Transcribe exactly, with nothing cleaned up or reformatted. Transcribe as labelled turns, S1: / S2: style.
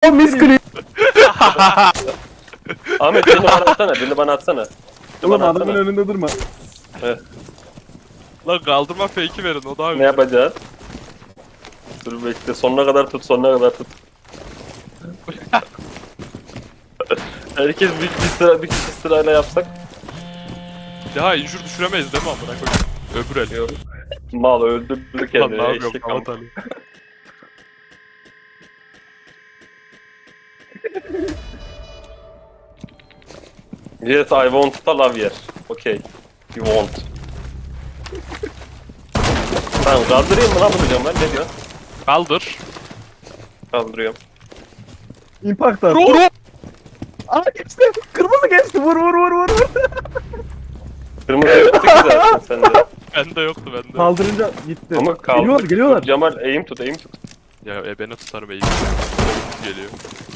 S1: O miscream.
S2: Ahmet birini bana atsana, birini bana atsana. Birini
S1: Oğlum
S2: bana
S1: adamın
S2: atsana.
S1: önünde durma.
S3: Lan kaldırma fake'i verin o daha
S2: Ne
S3: güzel.
S2: yapacağız? Dur bekle, sonuna kadar tut, sonuna kadar tut. Herkes bir, bir sıra, bir kişi sırayla yapsak.
S3: Daha injur düşüremeyiz değil mi amına koyayım? Öbür el.
S2: Yok. Mal öldürdü
S3: Lan
S2: kendini.
S3: ne yapıyorum
S2: eşek
S3: Kavat
S2: am-
S3: Ali.
S2: Yes, I want to love yer. Okay. You want. Tamam kaldırayım mı lan bunu diyorum ben, ne diyorsun?
S3: Kaldır.
S2: Kaldırıyorum.
S1: Impact at.
S3: Vur!
S1: Aa geçti. Kırmızı geçti. Vur vur vur vur. vur.
S2: Kırmızı yoktu ki zaten sende.
S3: Bende yoktu bende.
S1: Kaldırınca gitti.
S2: Ama kaldı.
S1: Geliyorlar geliyorlar.
S2: Cemal aim tut, aim tut.
S3: Ya e, beni tutarım iyi. Geliyor.